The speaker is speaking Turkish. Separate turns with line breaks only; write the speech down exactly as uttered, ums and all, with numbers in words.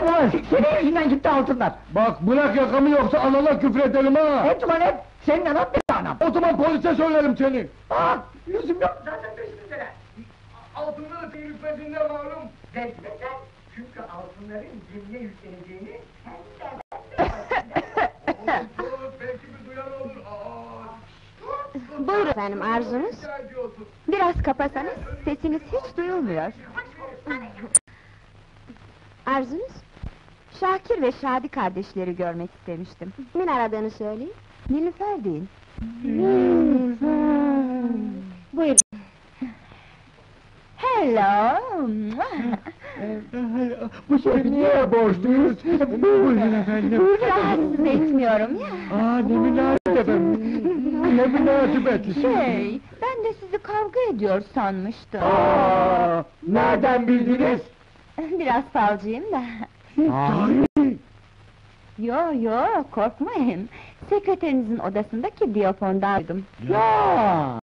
ulan, senin yüzünden gitti altınlar!
Bak bırak yakamı yoksa anana küfrederim ha!
Et ulan et! Senin anan benim anam!
O zaman polise söylerim seni!
Bak! Lüzum yok zaten peşimizdeler!
Altınları senin hükmetinde malum!
Bekle çünkü altınların gemiye yükleneceğini sen de
Olur, belki bir duyan olur! Aa!
Buyurun efendim, arzunuz?
Rica ediyorsun.
Biraz kapasanız, sesiniz hiç duyulmuyor. Arzunuz? Şakir ve Şadi kardeşleri görmek istemiştim. Kimin aradığını söyleyin. Nilüfer deyin. Buyurun. Hello!
Bu şey niye borçluyuz? Buyurun efendim!
Rahatsız etmiyorum ya!
Aa, ne münasebet efendim! Ne münasebet!
Şey, ben de sizi kavga ediyor sanmıştım.
Aa, nereden bildiniz?
Biraz falcıyım da.
Sahi!
Yo yo, korkmayın. Sekreterinizin odasındaki diyafondan duydum.
Ya!